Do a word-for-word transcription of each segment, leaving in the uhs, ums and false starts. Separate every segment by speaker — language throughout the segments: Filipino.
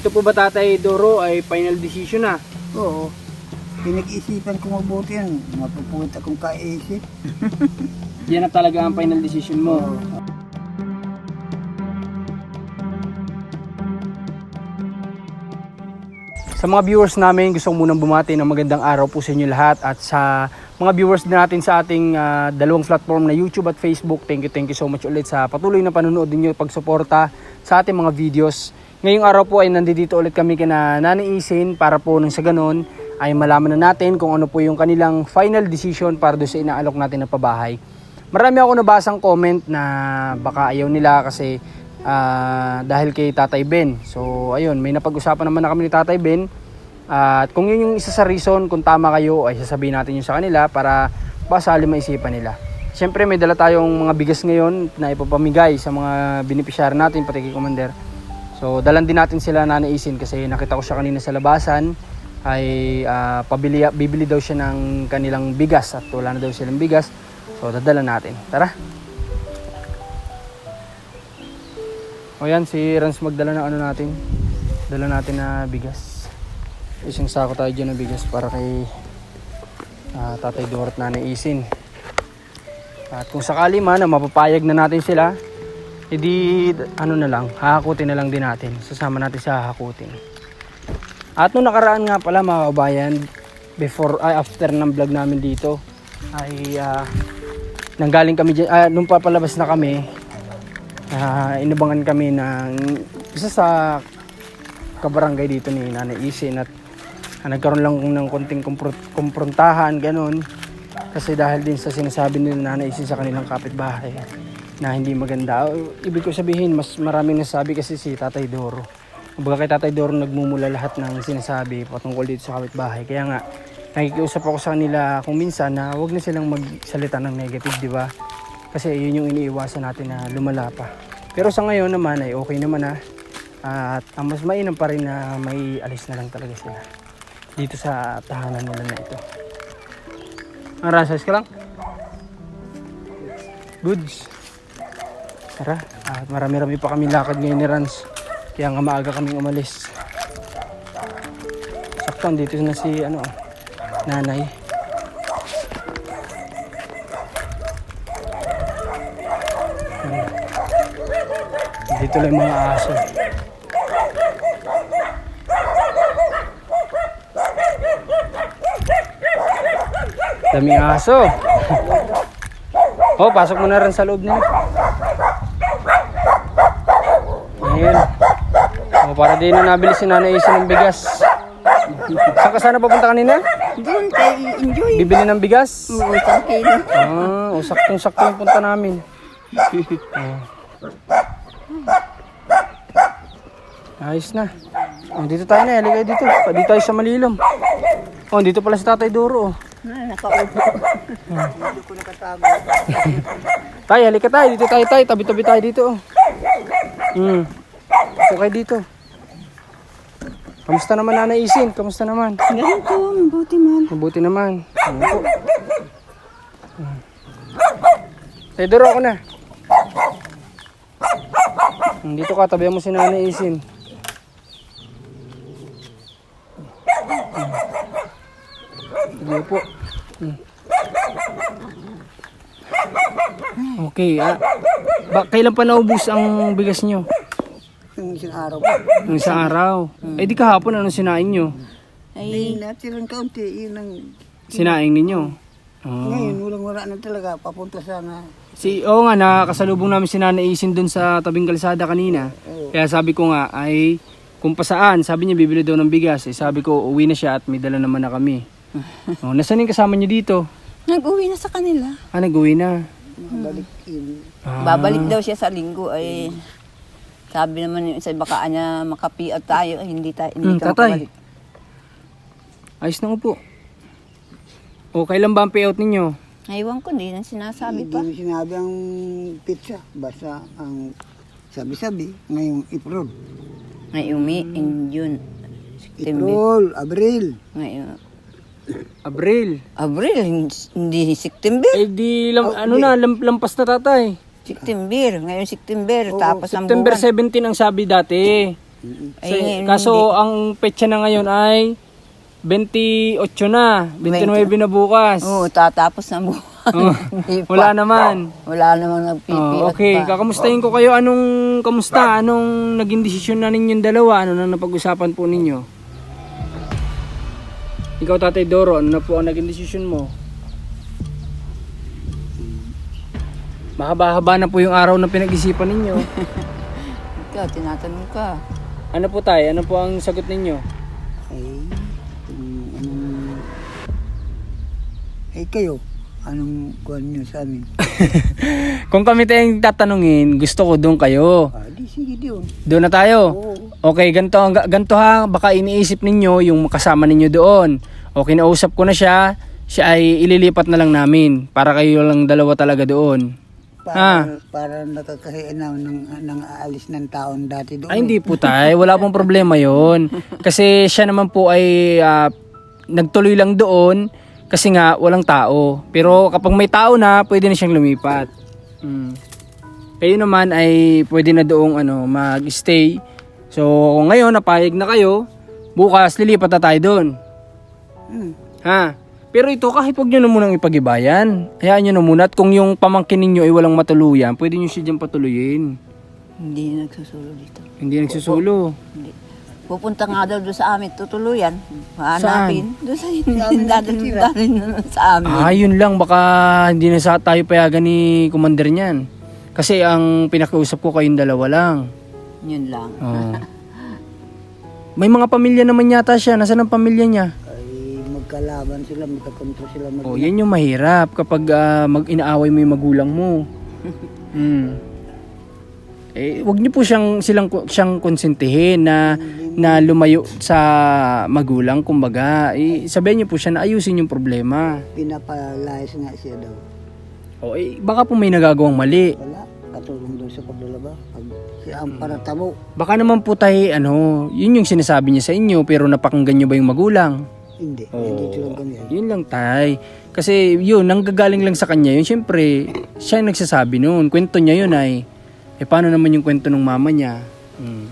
Speaker 1: Ito po ba Tatay Doro ay final decision na?
Speaker 2: Oo. Pinag-isipan ko mabuti yan. Mapupunta akong kaisip.
Speaker 1: Yan na talaga ang final decision mo. Sa mga viewers namin, gusto ko munang bumati ng magandang araw po sa inyo lahat. At sa mga viewers din natin sa ating uh, dalawang platform na YouTube at Facebook, thank you, thank you so much ulit sa patuloy na panonood ninyo, pagsuporta sa ating mga videos. Ngayong araw po ay nandito ulit kami kina Nanay Isin para po nang sa ganon ay malaman na natin kung ano po yung kanilang final decision para doon sa inaalok natin na pabahay. Marami ako nabasang comment na baka ayaw nila kasi uh, dahil kay Tatay Ben. So ayun, may napag-usapan naman na kami ni Tatay Ben. At uh, kung yun yung isa sa reason, kung tama kayo, ay sasabihin natin yun sa kanila para basali maisipan nila. Siyempre may dala tayong mga bigas ngayon na ipapamigay sa mga beneficiary natin, pati kay Commander. So dalan din natin sila Nanay Isin kasi nakita ko siya kanina sa labasan ay uh, pabili, bibili daw siya ng kanilang bigas at wala na daw silang bigas. So dadala natin. Tara. O yan, si Rans magdala ng ano natin. Dala natin na bigas. Isang sako tayo dyan ng bigas para kay uh, Tatay Doro at Nanay Isin. At kung sakali man na mapapayag na natin sila, edi ano na lang, hahakutin na lang din natin. Sasama natin sa hahakutin. At nung nakaraan nga pala mga kabayan, before, ay after ng vlog namin dito, ay uh, nanggaling kami dyan, uh, nung papalabas na kami, uh, inabangan kami ng isa sa kabarangay dito ni Nanay Isin at uh, nagkaroon lang ng konting kumprontahan, ganun. Kasi dahil din sa sinasabi ni Nanay Isin sa kanilang kapitbahay na hindi maganda. Ibig ko sabihin, mas maraming nasabi kasi si Tatay Doro. Kumbaga kay Tatay Doro nagmumula lahat ng sinasabi patungkol dito sa kapitbahay. Kaya nga, nakikiusap ako sa kanila kung minsan na huwag na silang magsalita ng negative, di ba? Kasi yun yung iniiwasan natin na lumala pa. Pero sa ngayon naman ay okay naman na. At ang mas mainam pa rin na may alis na lang talaga sila dito sa tahanan nila na ito. Ang rasas ka lang? Goods. Tara, at marami-rami pa kami lakad ngayon ni Rans. Kaya nga maaga kaming umalis. Sakto, dito na si ano, Nanay. Dito lang yung mga aso. Daming aso. Oh, pasok mo na rin sa loob nila. Ayan. Oh, para din na nabili si Nanay Isin ng bigas. Saan ka sana papunta kanina?
Speaker 2: Doon kay Enjoy.
Speaker 1: Bibili ng bigas?
Speaker 2: Oo, isang kilo.
Speaker 1: Ah, o saktong-sakto yung punta namin. Oh. Ayos na. Oh, dito tayo na, halika dito. Dito tayo sa Malilom. Oh, dito pala si Tatay Doro. Oh.
Speaker 2: Ah, nakaupo. Dito ko nakatago.
Speaker 1: Tay, halika tayo. Dito tayo tayo. Tabi-tabi tayo dito. Oh. Hmm. Ito kayo dito. Kamusta naman Nanay Isin? Kamusta naman?
Speaker 2: Ganito, mabuti man.
Speaker 1: Mabuti naman. Ano po? Hmm. Tay Doro ako na. Hmm, dito ka, tabihan mo si Nanay Isin. Sige po. Hmm. Okay, ah. Ba, kailan pa naubos ang bigas nyo?
Speaker 2: Yung isang araw pa.
Speaker 1: Nung isang araw. Eh di kahapon, anong sinaing nyo?
Speaker 2: Ay, natirang kaunti, yun ang...
Speaker 1: Sinaing ninyo? Oh.
Speaker 2: Ngayon, walang wala na talaga. Papunta sana.
Speaker 1: Si, oo nga, nakakasalubong namin si Nanay Isin dun sa tabing kalsada kanina.
Speaker 2: Oo.
Speaker 1: Kaya sabi ko nga, ay kung pa saan, sabi niya bibili daw ng bigas. Eh, sabi ko, uwi na siya at may dala naman na kami. Oh, nasaan yung kasama niyo dito?
Speaker 3: Nag-uwi na sa kanila.
Speaker 1: Ah, nag-uwi na.
Speaker 2: Balik yun.
Speaker 1: Ah.
Speaker 3: Babalik daw siya sa linggo ay sabi naman yung sa baka niya makapiat tayo ay hindi tayo hindi
Speaker 1: Hmm,
Speaker 3: ka
Speaker 1: tatay.
Speaker 3: makabalik.
Speaker 1: Ayos na upo. O, kailan ba ang payout ninyo?
Speaker 3: Aywan ko, hindi na sinasabi
Speaker 2: Hindi
Speaker 3: pa.
Speaker 2: mo sinabi ang pizza. Basta ang sabi-sabi ngayong April.
Speaker 3: Ngayong May, in June, September.
Speaker 2: April, Abril.
Speaker 3: Ngayon,
Speaker 1: Abril.
Speaker 3: Abril, hindi September.
Speaker 1: Eh di, lam,
Speaker 2: Oh,
Speaker 1: ano
Speaker 2: hindi.
Speaker 1: na, lam, lampas na tatay.
Speaker 3: September, ngayon September,
Speaker 2: Oo,
Speaker 3: tapos ang
Speaker 1: September
Speaker 3: buwan.
Speaker 1: seventeen ang sabi dati.
Speaker 2: Mm-mm.
Speaker 3: Ay,
Speaker 1: So,
Speaker 3: ngayon,
Speaker 1: kaso
Speaker 3: hindi.
Speaker 1: ang petsa na ngayon ay twenty-eight na, twenty-nine na bukas.
Speaker 3: Oo, tatapos na buwan.
Speaker 1: Oh,
Speaker 3: Hindi pa.
Speaker 1: wala naman.
Speaker 3: Wala namang nagpipiat
Speaker 1: Oh, okay,
Speaker 3: pa.
Speaker 1: kakamustahin ko kayo. Anong kamusta? Anong naging desisyon na ninyong dalawa? Ano na napag-usapan po ninyo? Ikaw, Tatay Doro, ano na po ang naging desisyon mo? Mahaba-haba na po yung araw na pinag-isipan ninyo.
Speaker 3: Ikaw, tinatanong ka.
Speaker 1: Ano po tayo? Ano po ang sagot ninyo?
Speaker 2: Ay, kung anong... Eh kayo, anong kuhan nyo sa amin?
Speaker 1: Kung kami tayong tatanungin, gusto ko doon kayo.
Speaker 2: Ah, di sige doon.
Speaker 1: Doon na tayo.
Speaker 2: Oo.
Speaker 1: Okay, ganito, ganito ha. Baka iniisip ninyo yung kasama ninyo doon. Okay, nausap ko na siya. Siya ay ililipat na lang namin. Para kayo lang dalawa talaga doon.
Speaker 2: Para, para nakakahiya na ng, ng aalis ng taon dati doon.
Speaker 1: Ay, hindi po tayo. Wala pong problema yon. Kasi siya naman po ay ah, nagtuloy lang doon kasi nga walang tao. Pero kapag may tao na, pwede na siyang lumipat. Mm. Kayo naman ay pwede na doong ano, mag-stay. So, ngayon, napayag na kayo. Bukas, lilipat na tayo doon.
Speaker 2: Hmm.
Speaker 1: Ha? Pero ito, kahit huwag nyo na munang ipag-ibayan. Hayaan nyo na muna. At kung yung pamangkin ninyo ay walang matuluyan, pwede nyo siya dyan patuluyin.
Speaker 3: Hindi na nagsusulo dito.
Speaker 1: Hindi nagsusulo.
Speaker 3: Hindi. Pupunta nga daw doon sa amin, tutuluyan. Hanapin. Doon sa hindi dadalhin sa amin.
Speaker 1: Ah, yun lang. Baka hindi na sa tayo payagan ni Commander niyan. Kasi ang pinakiusap ko kayong dalawa lang.
Speaker 3: Yun lang.
Speaker 1: Oh. May mga pamilya naman yata siya. Nasaan ang pamilya niya?
Speaker 2: Ay, magkalaban sila, magkakontra sila. Mag-
Speaker 1: Oh, yan yung mahirap kapag ah, mag-inaaway mo yung magulang mo. Hmm. Eh, wag niyo po siyang silang siyang konsentihin na na lumayo sa magulang, kumbaga. Eh, sabihin niyo po siya na ayusin yung problema.
Speaker 2: Pinapalayas nga siya daw.
Speaker 1: O eh, baka po may nagagawang mali.
Speaker 2: Wala, katulong doon sa paglalaba. Pag siya ang paratamo.
Speaker 1: Baka naman po tayo, ano, yun yung sinasabi niya sa inyo, pero napakinggan niyo ba yung magulang?
Speaker 2: Hindi,
Speaker 1: Oo.
Speaker 2: hindi tulong kami.
Speaker 1: Yun lang, tay. Kasi yun, nanggagaling lang sa kanya yun. Siyempre, siya yung nagsasabi noon. Kwento niya yun ay, eh paano naman yung kwento ng mama niya? Hmm.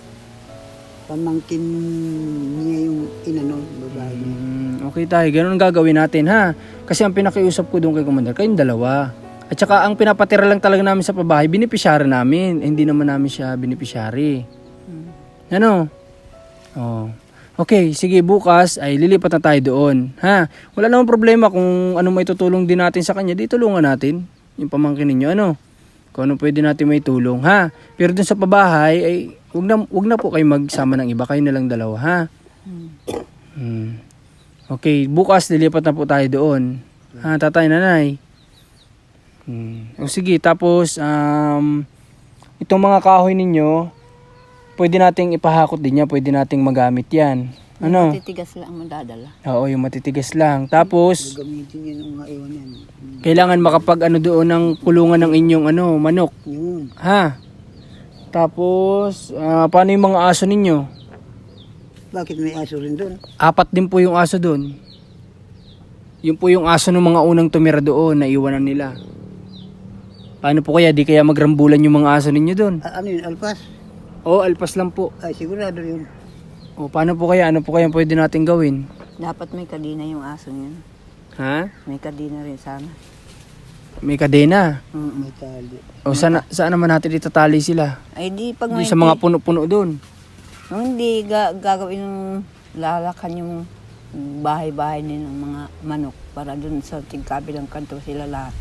Speaker 2: Pamangkin niya yung inano, babae niya.
Speaker 1: Hmm, okay tayo, ganun ang gagawin natin ha. Kasi ang pinakiusap ko doon kay Commander, kayong dalawa. At saka ang pinapatira lang talaga namin sa pabahay, binipisyari namin. Eh, hindi naman namin siya binipisyari. Ano? Oh. Okay, sige, bukas ay lilipat na tayo doon. Ha? Wala namang problema kung ano may tutulong din natin sa kanya. Di tulungan natin yung pamangkin ninyo. Ano? Kung ano pwede natin may tulong. Ha? Pero dun sa pabahay, ay wag na, wag na po kayo magsama ng iba. Kayo na lang dalawa. Ha? Hmm. Okay, bukas lilipat na po tayo doon. Ha, tatay, nanay. Hmm. O sige, tapos um, itong mga kahoy ninyo, pwede nating ipahakot din yan, pwede nating magamit yan. Ano?
Speaker 3: Matitigas lang ang madadala.
Speaker 1: Oo, yung matitigas lang. Tapos,
Speaker 2: Gamitin niya nung mga iwan yan.
Speaker 1: kailangan makapag ano doon ng kulungan ng inyong ano, manok.
Speaker 2: Yun.
Speaker 1: Ha? Tapos, ah, paano yung mga aso ninyo?
Speaker 2: Bakit may aso rin doon?
Speaker 1: Apat din po yung aso doon. Yung po yung aso ng mga unang tumira doon, naiwanan nila. Paano po kaya? Di kaya magrambulan yung mga aso ninyo doon?
Speaker 2: Ah, ano yun, alpas?
Speaker 1: Oo, alpas lang po.
Speaker 2: Ay, sigurado yun.
Speaker 1: O, paano po kaya? Ano po kaya pwede natin gawin?
Speaker 3: Dapat may kadina yung aso niyan.
Speaker 1: Ha?
Speaker 3: May kadina rin sana.
Speaker 1: May kadena.
Speaker 3: Mm.
Speaker 2: May tali.
Speaker 1: O, saan, saan naman natin itatali sila?
Speaker 3: Ay di pag
Speaker 1: Di
Speaker 3: may
Speaker 1: sa mga puno-puno doon.
Speaker 3: Nung hindi ga, gagawin ng lalakan yung bahay-bahay din ng mga manok para dun sa tigkabilang kanto sila lahat.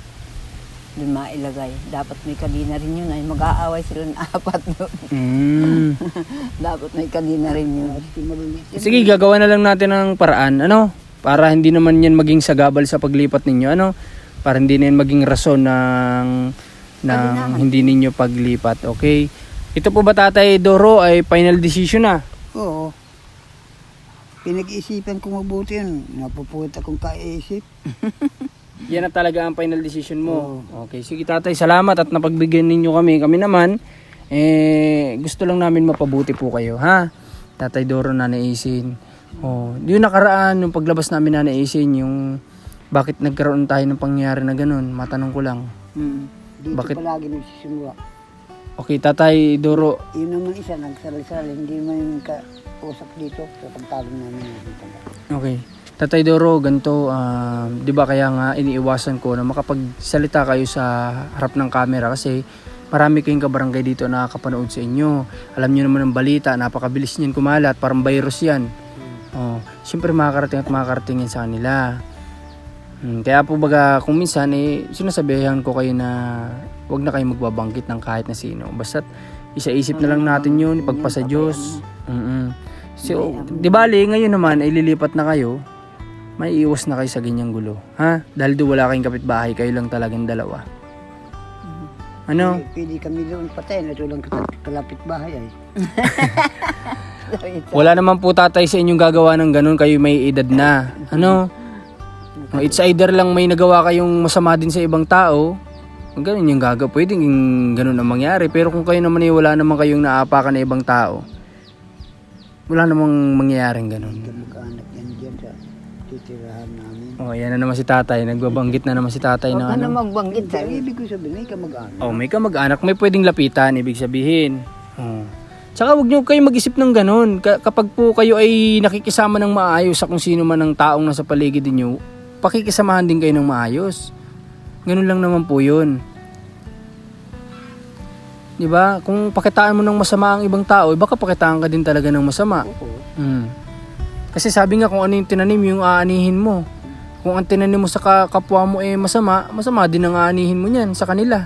Speaker 3: Dun mailagay. Dapat may kadina rin yun ay mag-aaway sila ng apat doon.
Speaker 1: Mm.
Speaker 3: Dapat may kadina rin yun.
Speaker 2: Kasi maliliit yan.
Speaker 1: Sige, gagawa na lang natin ng paraan. Ano? Para hindi naman yan maging sagabal sa paglipat ninyo. Ano? Para hindi na yan maging rason ng, ng hindi ninyo paglipat. Okay? Ito po ba, Tatay Doro, ay final decision na?
Speaker 2: Oo. Pinag-iisipan ko mabuti yan. Napupuwit akong kaisip.
Speaker 1: Yan na talaga ang final decision mo. Okay, sige tatay, salamat at napagbigyan ninyo kami. Kami naman, eh, gusto lang namin mapabuti po kayo, ha? Tatay Doro, Nanay Isin. Oh, yung nakaraan, yung paglabas namin Nanay Isin, yung bakit nagkaroon tayo ng pangyayari na ganun, matanong ko lang.
Speaker 3: Mm.
Speaker 2: Dito
Speaker 1: Bakit?
Speaker 2: palagi nagsisimula.
Speaker 1: Okay, Tatay Doro.
Speaker 2: Yun naman isa, nagsali-sali, hindi man yung kausap dito sa pagtalo namin dito.
Speaker 1: Okay. Tatay Doro, ganito, ah, di ba kaya nga iniiwasan ko na makapagsalita kayo sa harap ng camera kasi marami kayong kabarangay dito na nakakapanood sa inyo. Alam niyo naman ang balita, napakabilis niyan kumalat, parang virus yan. Oh, siyempre makakarating at makakarating yan sa kanila. Hmm, kaya po baga kung minsan eh, sinasabihan ko kayo na wag na kayo magbabanggit ng kahit na sino. Basta't isa-isip na lang natin yun, ipagpasa Diyos. Mm-mm. So, di bali, ngayon naman ay lilipat na kayo, may iwas na kayo sa ganyang gulo. Ha? Dahil doon wala kayong kapitbahay, kayo lang talagang dalawa. Ano?
Speaker 2: Pili kami doon patay, na ito lang kalapit bahay ay.
Speaker 1: Wala naman po tatay sa inyong gagawa ng ganun, kayo may edad na. Ano? It's either lang may nagawa kayong masama din sa ibang tao, ganun yung gagawa. Pwedeng yung ganun ang mangyari. Pero kung kayo naman ay wala naman kayong naapakan na ibang tao, wala namang mangyayaring ganun.
Speaker 2: Kamag-anak yan dyan sa titirahan namin.
Speaker 1: Oh, yan na naman si tatay. Nagbabanggit na naman si tatay
Speaker 3: Huwag
Speaker 1: na
Speaker 3: ka na
Speaker 1: ano.
Speaker 3: magbanggit sa
Speaker 2: Ang ibig ko sabihin, may kamag-anak.
Speaker 1: Oh, may kamag-anak, may pwedeng lapitan, ibig sabihin. Oh. Tsaka huwag niyo kayo mag-isip ng ganun. Ka- kapag po kayo ay nakikisama ng maayos sa kung sino man ang taong nasa paligid niyo, pakikisamahan din kayo ng maayos. Ganun lang naman po 'yun. 'Di ba? Kung pakitaan mo ng masama ang ibang tao, eh, baka pakitaan ka din talaga ng masama.
Speaker 2: Oo.
Speaker 1: Hmm. Kasi sabi nga kung ano yung tinanim, yung aanihin mo. Kung ang tinanim mo sa ka- kapwa mo eh masama, masama din ang aanihin mo niyan sa kanila.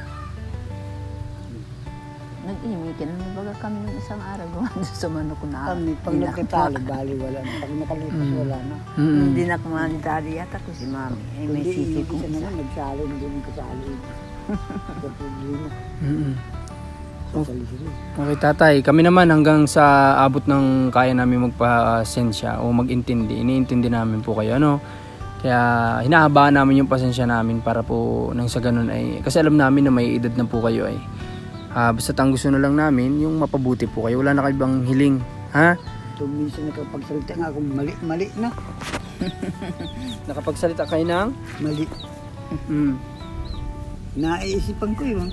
Speaker 3: Nag-imik ka na baga kami ng isang araw gumanda sa manok na.
Speaker 2: Kami, pag nagkatalo, bali wala na. Pag nakalipas, wala na.
Speaker 1: Mm.
Speaker 3: Hindi na kumanitari yata ko si mami. Eh, may
Speaker 2: Hindi,
Speaker 3: sisi
Speaker 2: hindi
Speaker 3: kong
Speaker 2: siya
Speaker 3: isa.
Speaker 2: naman nagsali, hindi mo kasali. Sa problema,
Speaker 1: Mm.
Speaker 2: kasali sila.
Speaker 1: Okay tatay, kami naman hanggang sa abot ng kaya namin magpasensya o mag-intindi, iniintindi namin po kayo, ano? Kaya hinahabaan namin yung pasensya namin para po nang sa ganun ay, kasi alam namin na may edad na po kayo ay, ah, basta ang gusto na lang namin, yung mapabuti po kayo, wala na kayo bang hiling, ha?
Speaker 2: So, minsan nakapagsalita nga ako, mali, mali na.
Speaker 1: Nakapagsalita kayo ng?
Speaker 2: Mali.
Speaker 1: Mm.
Speaker 2: Naiisipan ko yun.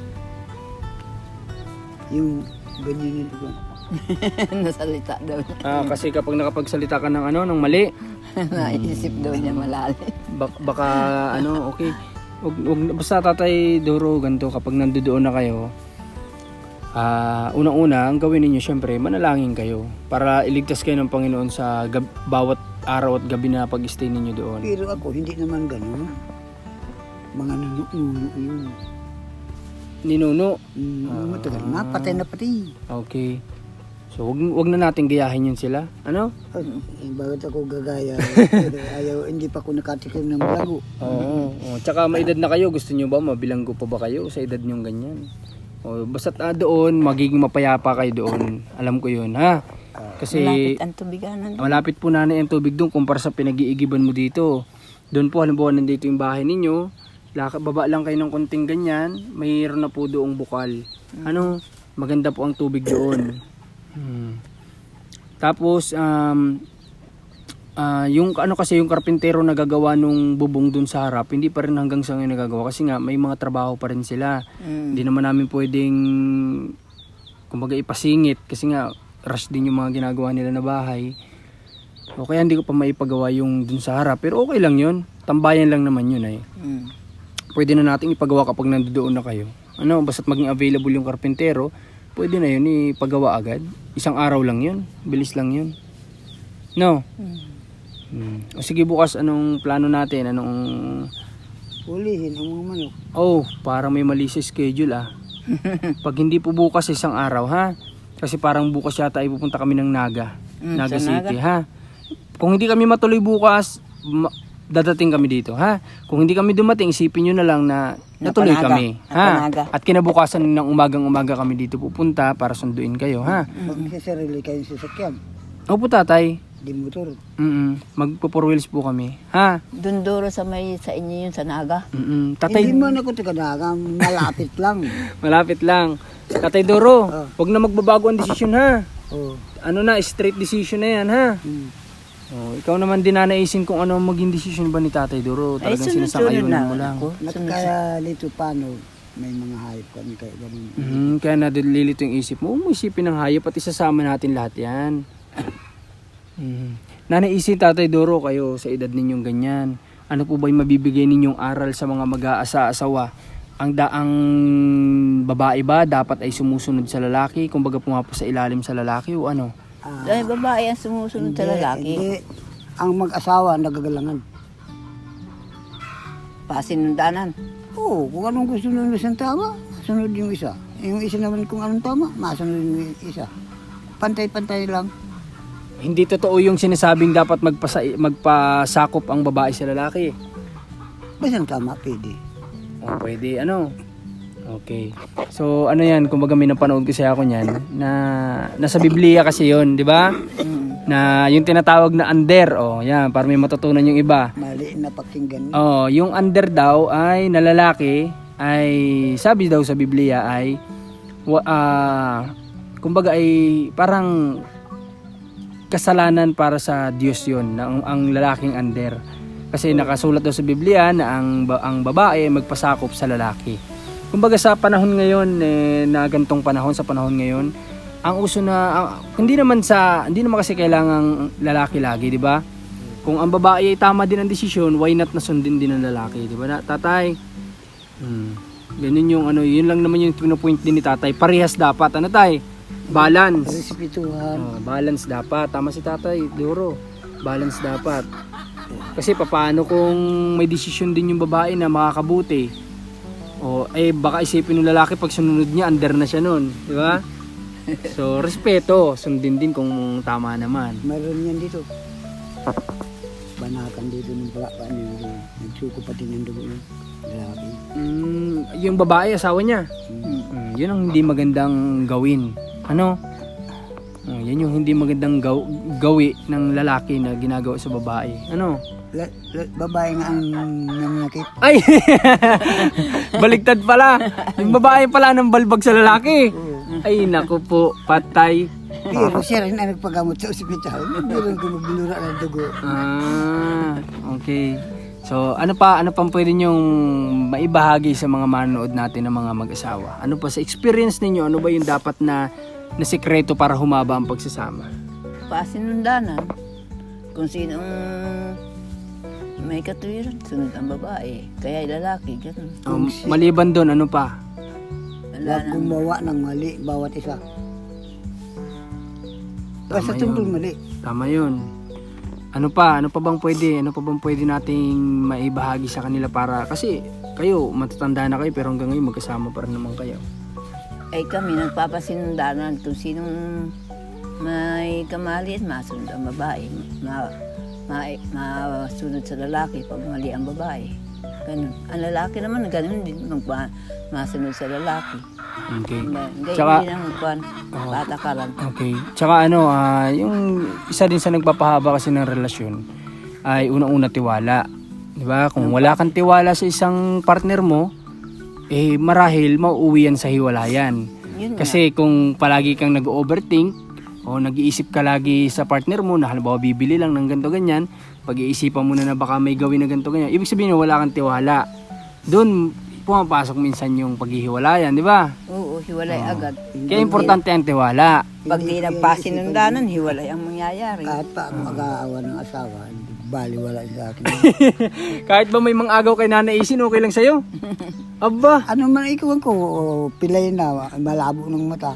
Speaker 2: Yung ganyan yun ko.
Speaker 3: Nasalita daw niya.
Speaker 1: Ah, kasi kapag nakapagsalita ka ng ano, ng mali,
Speaker 3: Naisip daw niya malalim.
Speaker 1: bak- baka ano, okay. Wag, wag, basta tatay Doro, ganito, kapag nandoon na kayo, ah, unang-una, ang gawin ninyo syempre, manalangin kayo para iligtas kayo ng Panginoon sa gab- bawat araw at gabi na pag-stay ninyo doon.
Speaker 2: Pero ako, hindi naman ganun. Mga nanununo yun.
Speaker 1: Ninuno.
Speaker 2: Mm, matagal na, patay na pati.
Speaker 1: Okay. So, wag, wag na natin gayahin yun sila. Ano?
Speaker 2: Ay, eh, bakit ako gagaya? Ayaw, hindi pa ako nakatikim ng balago.
Speaker 1: Oo. Oo. Tsaka may edad na kayo. Gusto nyo ba? Mabilanggo pa ba kayo sa edad nyong ganyan? O, basta't ah, doon, magiging mapayapa kayo doon. Alam ko yun, ha? Kasi
Speaker 3: Malapit ang tubiganan.
Speaker 1: malapit po nanay ang tubig doon kumpara sa pinag-iigiban mo dito. Doon po, halimbawa nandito yung bahay ninyo, laka, baba lang kayo ng konting ganyan, mayroon na po doong bukal. Ano? Maganda po ang tubig doon. Hmm. Tapos, um, ah, yung ano kasi yung karpintero na gagawa nung bubong dun sa harap, hindi pa rin hanggang sa ngayon nagagawa kasi nga may mga trabaho pa rin sila.
Speaker 3: Mm.
Speaker 1: Hindi naman namin pwedeng kumbaga ipasingit kasi nga rush din yung mga ginagawa nila na bahay. O kaya hindi ko pa maipagawa yung dun sa harap, pero okay lang yun. Tambayan lang naman yun ay.
Speaker 3: Mm.
Speaker 1: Pwede na nating ipagawa kapag nandoon na kayo. Ano, basta't maging available yung karpintero, pwede na yun ipagawa agad. Isang araw lang yun. Bilis lang yun. No?
Speaker 3: Mm.
Speaker 1: Hmm. O sige bukas, anong plano natin? Anong...
Speaker 2: Ulihin ang mga manok.
Speaker 1: Oh, parang may mali sa schedule ah. Pag hindi po bukas, isang araw ha. Kasi parang bukas yata ay pupunta kami ng Naga.
Speaker 3: Mm,
Speaker 1: Naga
Speaker 3: sa
Speaker 1: City ha. Kung hindi kami matuloy bukas, ma- dadating kami dito ha. Kung hindi kami dumating, isipin nyo na lang na natuloy
Speaker 3: Napanaga.
Speaker 1: kami ha.
Speaker 3: Napanaga.
Speaker 1: At kinabukasan ng umagang umaga kami dito pupunta para sunduin kayo ha.
Speaker 2: Pag sa sarili kayong sasakyan,
Speaker 1: Opo tatay.
Speaker 2: di motor.
Speaker 1: Mm magpo four wheels po kami ha.
Speaker 3: Dunduro sa may sa inyo yun sa Naga.
Speaker 1: Mm tatay.
Speaker 2: Hindi man ako taga-daga, malapit lang.
Speaker 1: Malapit lang. Tatay Doro,
Speaker 2: Ah.
Speaker 1: wag na magbabago ang desisyon ha.
Speaker 2: Oh.
Speaker 1: Ano na, straight decision na yan ha.
Speaker 2: Hmm.
Speaker 1: Oh, ikaw naman din nanaisin kung ano ang maging desisyon ba ni Tatay Doro.
Speaker 3: Ay,
Speaker 1: Talagang
Speaker 3: sunod-sunod
Speaker 1: sinasang-ayunan
Speaker 3: na
Speaker 1: mo lang.
Speaker 3: ako. Sunod-sunod.
Speaker 2: Kaya dito paano, may mga hayop kami kaya ganun.
Speaker 1: Mhm, kaya nadililito yung isip mo. Huwag mo isipin ng hayop at isasama natin lahat yan. Mhm. Nanay Isin, Tatay Doro, kayo sa edad ninyong ganyan, ano po ba yung mabibigay ninyong aral sa mga mag-aasawa? Ang daang babae ba dapat ay sumusunod sa lalaki? Kumbaga pumapo sa ilalim sa lalaki o ano?
Speaker 2: Ah,
Speaker 3: Dahil babae ang sumusunod sa
Speaker 2: hindi,
Speaker 3: lalaki.
Speaker 2: Hindi, ang mag-asawa nagagalangan.
Speaker 3: Pasinundanan.
Speaker 2: Oo, kung anong gusto ng isang tama, sunod yung isa. Yung isa naman kung anong tama, masunod yung isa. Pantay-pantay lang.
Speaker 1: Hindi totoo yung sinasabing dapat magpasa magpasakop ang babae sa lalaki.
Speaker 2: Basta tama, pwede.
Speaker 1: Oh, pwede ano. Okay. So ano yan, kumbaga may napanood kasi ako niyan na nasa Biblia kasi 'yon, 'di ba?
Speaker 3: Mm.
Speaker 1: Na yung tinatawag na under, oh, yan, para may matutunan yung iba.
Speaker 2: Mali na pakinggan.
Speaker 1: Oh, yung under daw ay na lalaki ay sabi daw sa Biblia ay wa- ah, kumbaga ay parang kasalanan para sa Diyos 'yon, na ang, ang lalaking under. Kasi nakasulat daw sa Biblia na ang ba- ang babae ay magpasakop sa lalaki. Kumbaga sa panahon ngayon eh, na gantong panahon sa panahon ngayon, ang uso na ang- hindi naman sa hindi naman kasi kailangang lalaki lagi, 'di ba? Kung ang babae ay tama din ang desisyon, why not na sundin din ng lalaki, 'di ba? Na, tatay. Hmm. Ganun yung ano, yun lang naman yung pinopoint din ni tatay. Parehas dapat, ano tay? Balance.
Speaker 2: Respetuhan.
Speaker 1: Oh, balance dapat. Tama si tatay, Doro. Balance dapat. Kasi papaano kung may desisyon din yung babae na makakabuti? O eh baka isipin ng lalaki pag sunod niya under na siya noon, di ba? So respeto, sundin din kung tama naman.
Speaker 2: Mayroon yan dito. Banakan dito ng palakpan niya. Nagsuko pati ng dugo ng lalaki.
Speaker 1: Mm, yung babae asawa niya.
Speaker 2: Hmm.
Speaker 1: Mm, yun ang hindi magandang gawin. Ano? Oh, yan yung hindi magandang gaw- gawi ng lalaki na ginagawa sa babae. Ano?
Speaker 2: La, la, babae nga ang nangyakit.
Speaker 1: Ay! Baligtad pala. Yung babae pala ng balbag sa lalaki. Ay, naku po, patay.
Speaker 2: Pero siya rin ang nagpagamot sa ospital. Meron ko magbulura ng dugo.
Speaker 1: Ah, okay. So, ano pa, ano pang pwede nyong maibahagi sa mga manonood natin ng mga mag-asawa? Ano pa sa experience ninyo, ano ba yung dapat na, na sekreto para humaba ang pagsasama?
Speaker 3: Pasinundanan. Kung sinong may katuwiran, sunod ang babae. Kaya lalaki, ganun.
Speaker 1: Um, maliban doon, ano pa?
Speaker 3: Wala
Speaker 2: Huwag
Speaker 3: nang
Speaker 2: gumawa ng mali bawat isa. Basta
Speaker 1: Tama
Speaker 2: tungkol
Speaker 1: yun.
Speaker 2: mali.
Speaker 1: Tama yun. Ano pa? Ano pa bang pwede? Ano pa bang pwede nating maibahagi sa kanila para... Kasi kayo, matatanda na kayo pero hanggang ngayon magkasama pa rin naman kayo.
Speaker 3: ay kami nagpapasinundanan kung sinong may kamali at masunod ang babae. Ma, ma, masunod sa lalaki pag mali ang babae. Ganun. Ang lalaki naman, ganun din. Magpa, masunod sa lalaki.
Speaker 1: Okay.
Speaker 3: Hindi
Speaker 1: Tsaka-
Speaker 3: hindi nang magkuhan.
Speaker 1: Oo.
Speaker 3: Patakaran.
Speaker 1: Okay. Tsaka ano, ah, yung isa din sa nagpapahaba kasi ng relasyon ay unang-una tiwala. 'Di ba? Kung wala kang tiwala sa isang partner mo, eh marahil mauuwi yan sa hiwalayan.
Speaker 3: Yun nga.
Speaker 1: Kasi kung palagi kang nag-overthink o nag-iisip ka lagi sa partner mo na halimbawa bibili lang ng ganito ganyan, pag-iisipan mo na na baka may gawin na ganito ganyan, ibig sabihin na wala kang tiwala. Doon pumapasok minsan yung paghihiwalayan, di ba?
Speaker 3: Oo, hiwalay agad.
Speaker 1: Kaya importante ang tiwala.
Speaker 3: Pag di nagpasinundanan, hiwalay ang mangyayari.
Speaker 2: Kahit pa ako mag-aawa ng asawa, bali wala sa akin.
Speaker 1: Kahit ba may mga agaw kay Nanay Isin, okay lang sa'yo? Aba!
Speaker 2: Ano man ikaw ko, o, pilay na, malabo ng mata.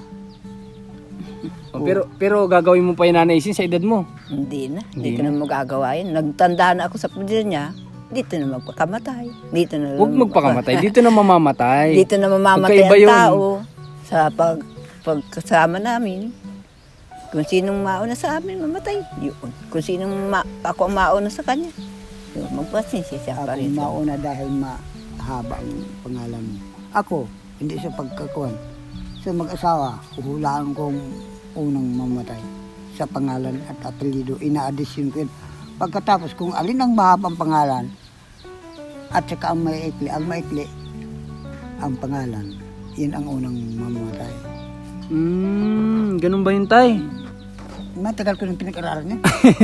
Speaker 1: Oh, pero pero gagawin mo pa yung Nanay Isin sa edad mo.
Speaker 3: Hindi na.
Speaker 1: Hindi
Speaker 3: Hindi ko na magagawa yun. Nagtanda na ako sa pamilya niya. Dito na magpakamatay. Dito na
Speaker 1: Huwag magpakamatay. Dito na mamamatay.
Speaker 3: Dito na mamamatay
Speaker 1: Magkaiba
Speaker 3: ang
Speaker 1: yun.
Speaker 3: tao sa pag, pagkasama namin. Kung sinong mauna sa amin, mamatay. Yun. Kung sinong ma, ako ang mauna sa kanya, yun, magpasensya siya pa
Speaker 2: Ako
Speaker 3: rin.
Speaker 2: mauna dahil mahaba ang pangalan mo. Ako, hindi sa pagkakuan. Sa mag-asawa, uhulaan kong unang mamatay sa pangalan at apelido. Ina-addition ko yun. Pagkatapos, kung alin ang mahabang pangalan at saka ang maikli, ang maikli, ang pangalan, yun ang unang mamamatay.
Speaker 1: Hmm, ganun ba yun, tay?
Speaker 2: Matagal ko nang pinag-aralan niya.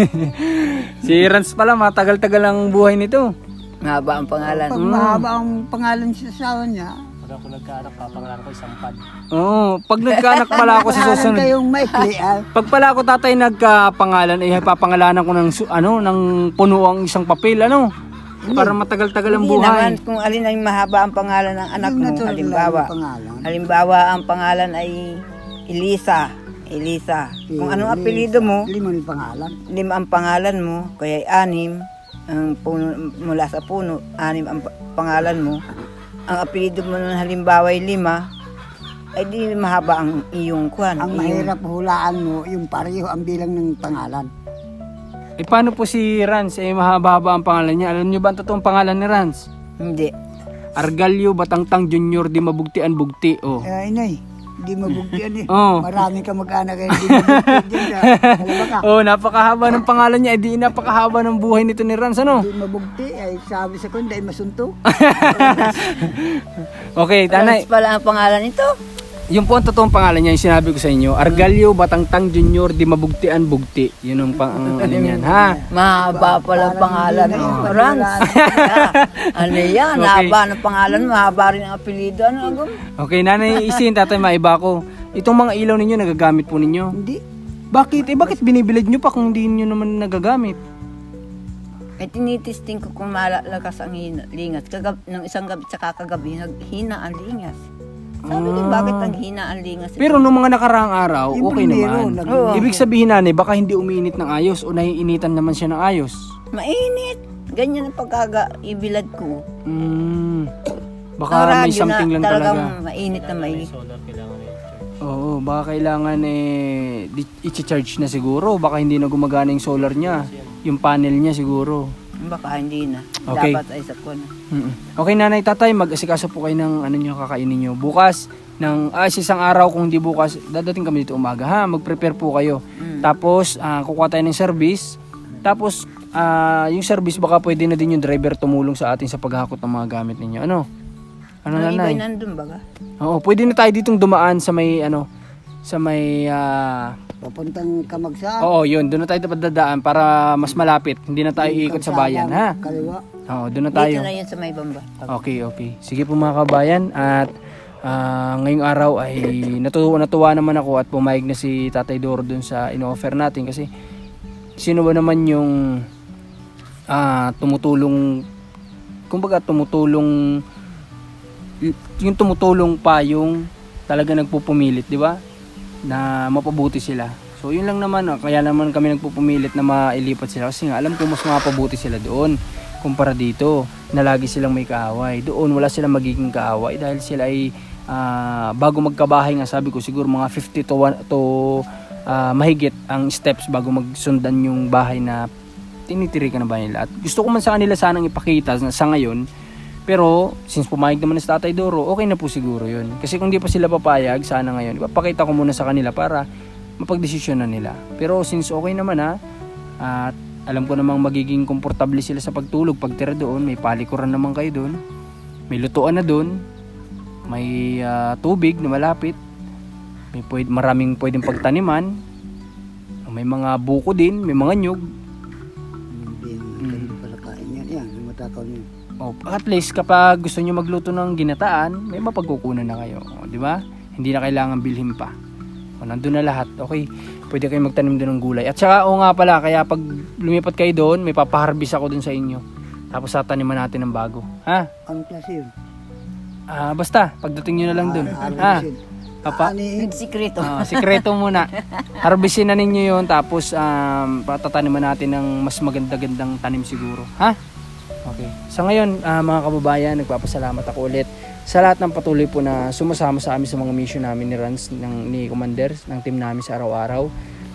Speaker 1: Si Rans pala, matagal-tagal ang buhay nito.
Speaker 3: Mahaba ang pangalan.
Speaker 2: Pag mahaba ang pangalan sa asawa niya,
Speaker 4: Pag ako nagkaanak, papangalan ko isang pad.
Speaker 1: Oo, pag nagkaanak pala ako sa
Speaker 2: Pangalan
Speaker 1: susunod.
Speaker 2: kayong maikli, ah.
Speaker 1: Pag pala ako tatay nagkapangalan, eh papangalanan ko ng su- ano, ng puno ang isang papel, ano? Para matagal-tagal ang
Speaker 3: Hindi naman
Speaker 1: buhay.
Speaker 3: kung alin ang mahaba ang pangalan ng anak
Speaker 2: Yung
Speaker 3: mo.
Speaker 2: natural
Speaker 3: Halimbawa,
Speaker 2: na pangalan.
Speaker 3: halimbawa ang pangalan ay Elisa. Elisa. Kung anong apelyido mo,
Speaker 2: Limang pangalan.
Speaker 3: lima ang pangalan mo, kaya anim ang puno, mula sa puno, anim ang pa- pangalan mo. Ang apelyido mo nun halimbawa ay lima, ay di mahaba ang iyong kwan.
Speaker 2: Ang
Speaker 3: iyong-
Speaker 2: mahirap hulaan mo, yung pareho ang bilang ng pangalan.
Speaker 1: Eh paano po si Rans? Eh mahaba-haba ang pangalan niya. Alam niyo ba ang totoong pangalan ni Rans?
Speaker 3: Hindi.
Speaker 1: Argalio Batangtang Junior di Mabugtian Bugti. Oh.
Speaker 2: Eh, inay, hindi mabugtian eh.
Speaker 1: Oo.
Speaker 2: Marami ka mag-anak eh, hindi mabugtian dyan sa alam ka.
Speaker 1: Oh, napakahaba ng pangalan niya. Eh di napakahaba ng buhay nito ni Rans, ano?
Speaker 2: Hindi mabugti, ay sabi sa kundi, ay masunto.
Speaker 1: Okay, tanay.
Speaker 3: Rans pala ang pangalan nito.
Speaker 1: Yung po ang totoong pangalan niya, yung sinabi ko sa inyo, Argalio Batangtang Junior di Mabugtian Bugti. Yun ang pang ang ano niyan, ha?
Speaker 3: Mahaba pala ang pangalan mo. Rans. Ano yan?
Speaker 1: Okay.
Speaker 3: Haba ng pangalan, mahaba rin ang apelyido. Ano agam?
Speaker 1: Okay, nanay isin, tatay maiba ko. Itong mga ilaw ninyo, nagagamit po ninyo.
Speaker 2: Hindi.
Speaker 1: Bakit? Eh, bakit binibilad nyo pa kung hindi nyo naman nagagamit?
Speaker 3: Eh, tinitesting ko kung malalakas ang hina, lingas. Kagab, nung isang gabi tsaka kagabi, naghina ang lingas. Sabi ko, bakit ang hina ang lingas?
Speaker 1: Pero nung mga nakaraang araw,
Speaker 2: Yung
Speaker 1: okay
Speaker 2: primero,
Speaker 1: naman.
Speaker 2: nag-
Speaker 3: Oo.
Speaker 1: Ibig sabihin nanay, baka hindi umiinit ng ayos o naiinitan naman siya ng ayos.
Speaker 3: Mainit. Ganyan ang pagkagaibilad ko.
Speaker 1: Mm, baka
Speaker 3: Ang
Speaker 1: may
Speaker 3: radyo
Speaker 1: something
Speaker 3: na
Speaker 1: lang
Speaker 3: talagang
Speaker 1: talaga.
Speaker 3: mainit na may...
Speaker 4: Solar kailangan na i-charge.
Speaker 1: Oo, baka kailangan eh, di- i-charge na siguro. Baka hindi na gumagana yung solar niya. Yung panel niya siguro.
Speaker 3: Baka hindi na.
Speaker 1: Okay.
Speaker 3: Dapat ay sa kun.
Speaker 1: Mm-mm. Okay nanay, tatay, mag-asikaso po kayo ng ano nyo, kakainin nyo. Bukas, ng, ah, isang araw kung hindi bukas, dadating kami dito umaga ha. Mag-prepare po kayo.
Speaker 3: Mm.
Speaker 1: Tapos, ah, kukuha tayo ng service. Tapos, ah, yung service baka pwede na din yung driver tumulong sa atin sa paghakot ng mga gamit ninyo. Ano? Ano
Speaker 3: Ang iba'y
Speaker 1: nanay?
Speaker 3: nandun baga?
Speaker 1: Oo, pwede na tayo ditong dumaan sa may ano, sa may ah,
Speaker 2: Papuntang Kamagsa.
Speaker 1: oo, yun, doon na tayo dapat dadaan para mas malapit. Hindi na tayo iikot sa bayan, ha?
Speaker 2: Kaliwa.
Speaker 1: Oo, doon na tayo.
Speaker 3: Dito na yun sa may bamba.
Speaker 1: Okay, okay. Sige po mga kabayan at ah, ngayong araw ay natuwa, natuwa naman ako at pumayag na si Tatay Doro dun sa in-offer natin kasi sino ba naman yung ah, tumutulong, kumbaga tumutulong, y- yung tumutulong pa yung talaga nagpupumilit, di ba? Na mapabuti sila. So yun lang naman, ah. Kaya naman kami nagpupumilit na mailipat sila kasi nga alam ko mas mapabuti sila doon kumpara dito na lagi silang may kaaway. Doon wala silang magiging kaaway dahil sila ay ah, bago magkabahay nga sabi ko siguro mga fifty to one, to ah, mahigit ang steps bago magsundan yung bahay na tinitirikan na ba nila. At gusto ko man sa kanila sanang ipakita na sa ngayon, pero since pumayag naman na si Tatay Doro, okay na po siguro yun. Kasi kung di pa sila papayag, sana ngayon, ipapakita ko muna sa kanila para mapagdesisyon na nila. Pero since okay naman ha, at alam ko namang magiging komportable sila sa pagtulog, pagtira doon, may palikuran naman kayo doon, may lutuan na doon, may ah, tubig na malapit, may pwede, maraming pwedeng pagtaniman, may mga buko din, may mga nyug.
Speaker 2: Hindi, hindi pala kain yan. Yan, matakaw niyo.
Speaker 1: O, at least kapag gusto nyo magluto ng ginataan, may mapagkukunan na kayo. O, di ba? Hindi na kailangan bilhin pa. O, nandun na lahat. Okay, pwede kayo magtanim doon ng gulay. At saka, o nga pala, kaya pag lumipat kayo doon, may papaharbis ako doon sa inyo. Tapos tataniman natin ng bago. Ha?
Speaker 2: Anong klase yun?
Speaker 1: Ah, basta, pagdating nyo na lang doon. Ha? Papa?
Speaker 2: Ani,
Speaker 3: Nagsikreto.
Speaker 1: Ah, sikreto muna. Harvestin na ninyo yun, tapos um, patataniman natin ng mas maganda-gandang tanim siguro. Ha? Okay. Sa ngayon, ah, mga kababayan, nagpapasalamat ako ulit sa lahat ng patuloy po na sumasama sa amin sa mga mission namin ni Rans, ng, ni Commander, ng team namin sa araw-araw.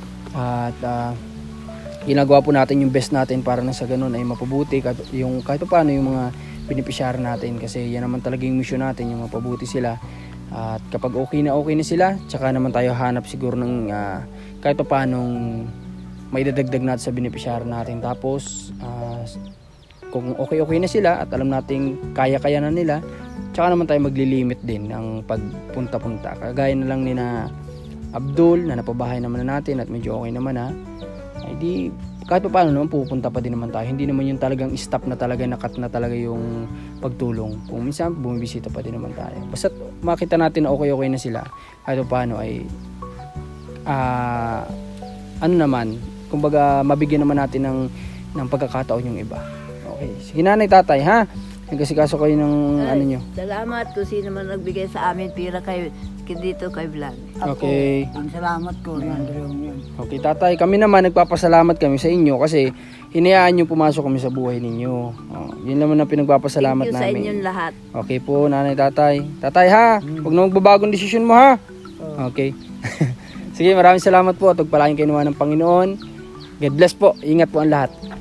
Speaker 1: At ah, ginagawa po natin yung best natin para na sa ganun ay mapabuti kahit, yung, kahit pa paano yung mga beneficiary natin kasi yan naman talaga yung mission natin, yung mapabuti sila. At kapag okay na okay na sila, tsaka naman tayo hanap siguro ng ah, kahit pa paano may dadagdag natin sa beneficiary natin. Tapos ah, kung okay-okay na sila at alam nating kaya-kaya na nila, tsaka naman tayo maglilimit din ng pagpunta-punta. Kagaya na lang ni na Abdul na napabahay naman na natin at medyo okay naman ha. Ay di kahit pa paano naman pupunta pa din naman tayo. Hindi naman yung talagang stop na talaga, nakat na talaga yung pagtulong. Kung minsan bumibisita pa din naman tayo. Basta makita natin na okay-okay na sila, kahit pa paano ay ah ano naman, kumbaga mabigyan naman natin ng ng pagkakataon yung iba. Okay. Sige nanay, tatay, ha? Nagkasikaso kayo ng
Speaker 3: Ay,
Speaker 1: ano nyo.
Speaker 3: Salamat kung sino man nagbigay sa amin pira kay, kay dito kay Vlog.
Speaker 2: Ako,
Speaker 1: Okay.
Speaker 2: ang salamat ko, yan, dalawang yun.
Speaker 1: Okay, tatay, kami naman nagpapasalamat kami sa inyo kasi hinayaan nyo pumasok kami sa buhay ninyo. Oh, yun naman ang pinagpapasalamat
Speaker 3: Thank you sa
Speaker 1: namin.
Speaker 3: inyong lahat.
Speaker 1: Okay po, nanay, tatay. Tatay ha, huwag na magbabagong desisyon mo ha. Okay. Sige, maraming salamat po at pagpalain kayo naman ng Panginoon. God bless po. Ingat po ang lahat.